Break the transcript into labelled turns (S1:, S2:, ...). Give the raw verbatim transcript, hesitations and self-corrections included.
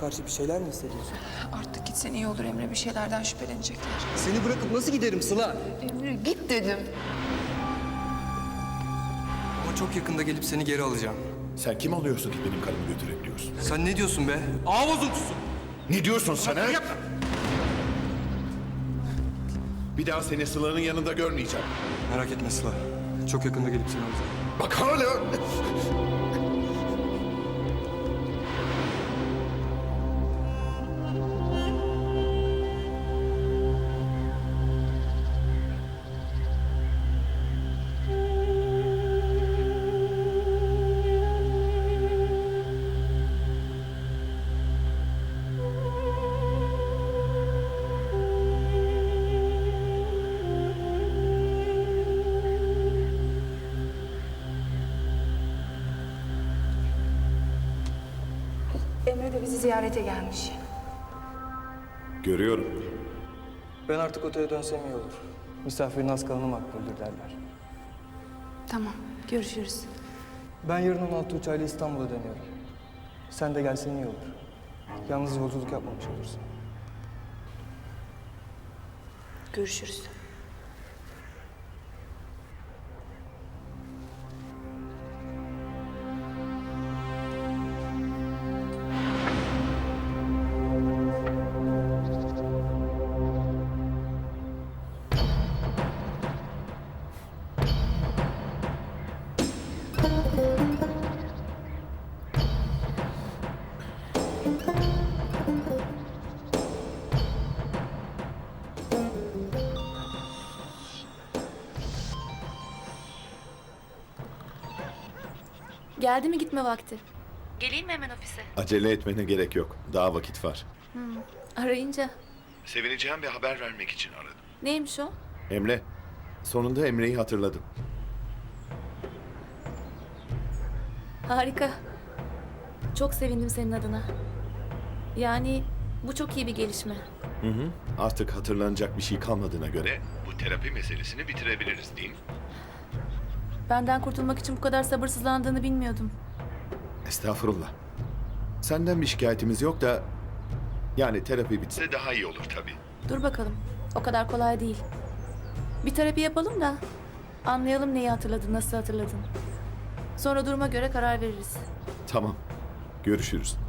S1: karşı bir şeyler mi hissediyorsun?
S2: Artık gitsen iyi olur Emre. Bir şeylerden şüphelenecekler.
S1: Seni bırakıp nasıl giderim Sıla?
S2: Emre git dedim.
S1: Ama çok yakında gelip seni geri alacağım.
S3: Sen kim oluyorsun ki benim karımı götürebiliyorsun?
S1: Sen ne diyorsun be? Ağ bozuntusu!
S3: Ne diyorsun sen ha? Bir daha seni Sıla'nın yanında görmeyeceğim.
S1: Merak etme Sıla. Çok yakında gelip seni alacağım.
S3: Bak hala...
S2: Emre de bizi ziyarete gelmiş.
S3: Görüyorum.
S1: Ben artık otele dönsem iyi olur. Misafirin az kalanı makbuldür derler.
S2: Tamam, görüşürüz.
S1: Ben yarın on altı uçağıyla İstanbul'a dönüyorum. Sen de gelsen iyi olur. Yalnız yolculuk yapmamış olursun.
S2: Görüşürüz.
S4: Geldi mi gitme vakti? Geleyim mi hemen ofise?
S3: Acele etmene gerek yok. Daha vakit var.
S4: Arayınca.
S3: Sevineceğim bir haber vermek için aradım.
S4: Neymiş o?
S3: Emre. Sonunda Emre'yi hatırladım.
S4: Harika. Çok sevindim senin adına. Yani bu çok iyi bir gelişme.
S3: Hı hı. Artık hatırlanacak bir şey kalmadığına göre bu terapi meselesini bitirebiliriz değil mi?
S4: Benden kurtulmak için bu kadar sabırsızlandığını bilmiyordum.
S3: Estağfurullah. Senden bir şikayetimiz yok da... Yani terapi bitse daha iyi olur tabii.
S4: Dur bakalım. O kadar kolay değil. Bir terapi yapalım da anlayalım neyi hatırladın, nasıl hatırladın. Sonra duruma göre karar veririz.
S3: Tamam. Görüşürüz.